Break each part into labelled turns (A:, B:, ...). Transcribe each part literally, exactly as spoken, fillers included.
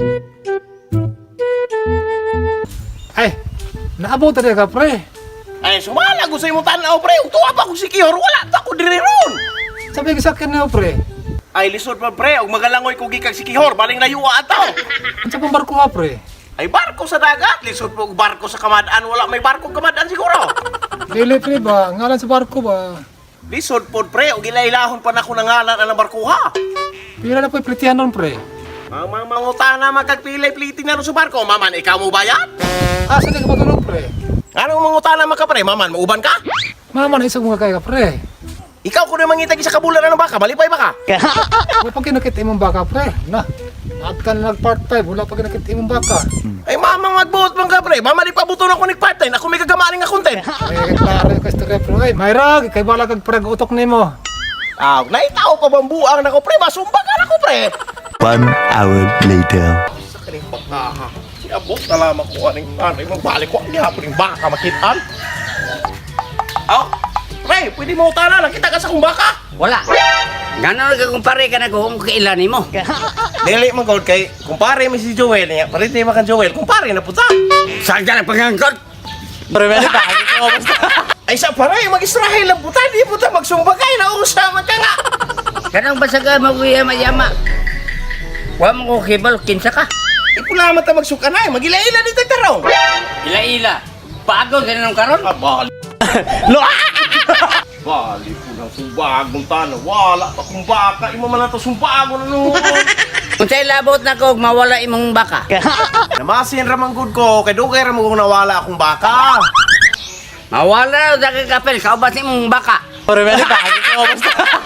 A: Ay, naabot na ka, pre.
B: Ay, sumala ko sa imong tanaw, pre. Utuwa pa ko si Kihor. Wala ta ko diri ron.
A: Sabi ka sa akin na, pre.
B: Ay, lisod pa, pre. Og magalangoy ko gikag si Kihor. Baling layuwa ataw.
A: Ano sa pang barko ka, pre?
B: Ay, barko sa dagat. Lisod po og barko sa kamadaan. Wala may barko kamadaan siguro.
A: Dili, pre ba? Ngalan sa barko ba?
B: Lisod po, pre. Og ilailahon pa na ko nangalan ang barko, ha?
A: Pila na po iplitihan nun, pre.
B: Ang mga mangutana magkagpilay-pliting na ron sa barko. Maman, ikaw mo bayad?
A: Ah, saan ka matulog, pre?
B: Anong mangutana maka, pre? Maman, mauban ka?
A: Mama na isang mga kaya ka, pre.
B: Ikaw ko na mangitag sa kabulan ng baka. Malipay ba ka?
A: Wala pag kinakita imong baka, pre. Na, at ka na nag-part five, wala pag kinakita imong baka.
B: Ay, mamang magbuot bang ka, pre? Mama, di pabuto na ko nag-part-time. Ako may kagamaling nga content.
A: Ay, klaro yung kastor, pre. Ay, Mayra, kay bala kag parag utok nimo.
B: Ah, naitaw pa bang buang na ko, pre? Masumba ka na ko, pre.
C: One hour later.
B: Sa kaning baka, ha? Siabot na lamang ko aning anay. Magbalik ko, hindi hapon yung baka makitaan. Oh, pre, pwede mo utana. Nakita ka sa kong baka?
D: Wala. Ganon ka kumpare ka na kung kailan mo.
B: Dili man gold kay kumpare mi si Joel niya. Parit ni makan Joel. Kumpare na puta.
D: Saan ka na pangangkot?
B: Pre, meron ka. Ay sa pare, mag-Israel lang puta. Di puta magsumbagay na usama ka nga.
D: Ganang basa ka maguyama-yama. Huwag mo ko kibal, kinsa ka.
B: Ipulamat na magsuka na. Magila-ila dito tarong.
D: Ila-ila. Paago ganun karon?
B: Ah, bali. Lo! Bali po ng sumbagong tanong. Wala pa kung baka. Ima man na to sumbago na noon.
D: Kung sa'y labot na ko, mawala imong baka.
B: Namasin ramang good ko. Kaya doon kaya ramang kung nawala akong baka.
D: Mawala na ka kapel, kaubas imong baka.
B: Pero meron ka. Basta.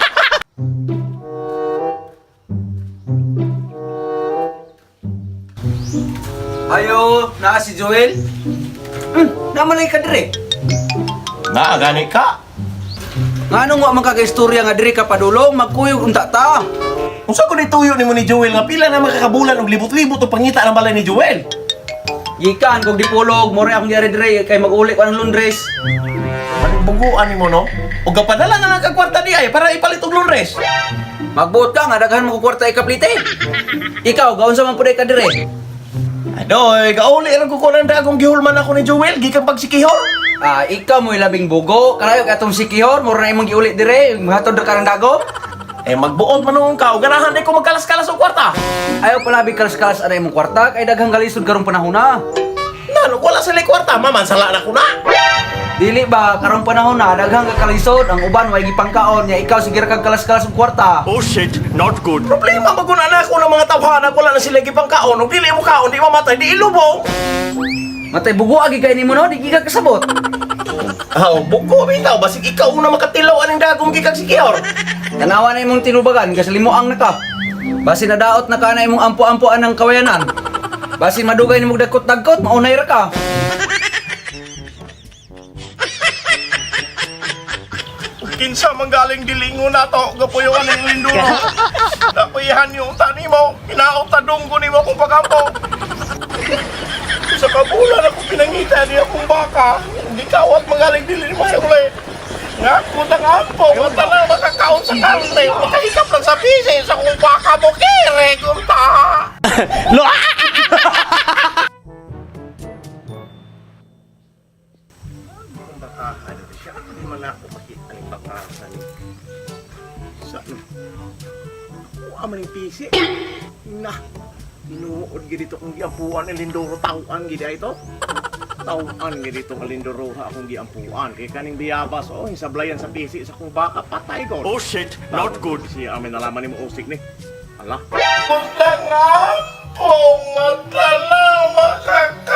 E: Ayo, naa si Joel. Hmm, namalay ka dire.
B: Na, gani ka.
E: Ngano nga man kagaistorya nga dire ka padulong magkuyog unta ta.
B: Unsa ko nituyo ni mo ni Joel nga pila na makakabulan og libot-libot o pangita ng balay ni Joel.
E: Gikan kog dipulog, more akong diari dire kay mag-uli ko ang Londres.
B: Anong buguan ni mo no? O gapadala na lang kag kwarta di ay para ipalit og Londres.
E: Magbuot ka nga daghan mo ko kwarta ikaplite. Ikaw gaon sa man puday ka dire.
B: Adoy, gauli lang ko kunan dagong gihulman ako ni Joel gikan pag sikihor.
E: Ah, ikaw mo labing bugo, kalayo katong si Kihor, more na imong giuli dire, mahatod ka ng dago.
B: Eh magbuot man nung ka, o ganahan di ko magkalas-kalas og kwarta.
E: Ayaw pala bikalas-kalas ana imong kwarta kay daghang galisod karong panahon na.
B: Nano, wala sa kwarta, maman sala na ko na.
E: Dili ba karong panahon na daghang kakalisod ang uban way gipangkaon nya ikaw sige ra kag kalas-kalas og kwarta.
C: Oh shit, not good.
B: Problema maguna na ako ng mga tawhana, wala na sila gipang kaon, o dili mo kaon, di mamatay, di ilubong.
E: Matay bugo agi kay nimo no, di giga kasabot.
B: Ah, oh, buko bitaw, basig ikaw una makatilaw aning dagong gikag sikihor.
E: Tanawa na imong tinubagan, kasalimuang na ka. Basi nadaot na ka na imong ampo-ampoan ng kawayanan. Basi madugay nimong dagkot-dagkot, maunay ra ka.
B: Kinsa manggaling dilingo na to, gapuyon ang linduro. Napuyahan yung tani mo, inaot tadong ko ni mo kung pagampo. Sa kabulan ako pinangita niya akong baka, hindi kawat manggaling dilin mo sa uli. Nga, kutang ampo, kung na makakaon sa karne, makahikap lang sa pisi, sa kung baka mo kere, kunta. Lo! Bakahan siya, hindi man ako makita ng bakahan. Saan? Kuha man yung pisi. Na, inuod gito kung giampuan ng lindoro tauan gida ito. Tauan gito ang lindoro ha akong giampuan. Kaya kaning biyabas, oh, sablayan sa pisi sa kung baka patay ko.
C: Oh shit, not good.
B: Siya amin nalaman ni mo usik ni. Ala. Punta nga po, matala makaka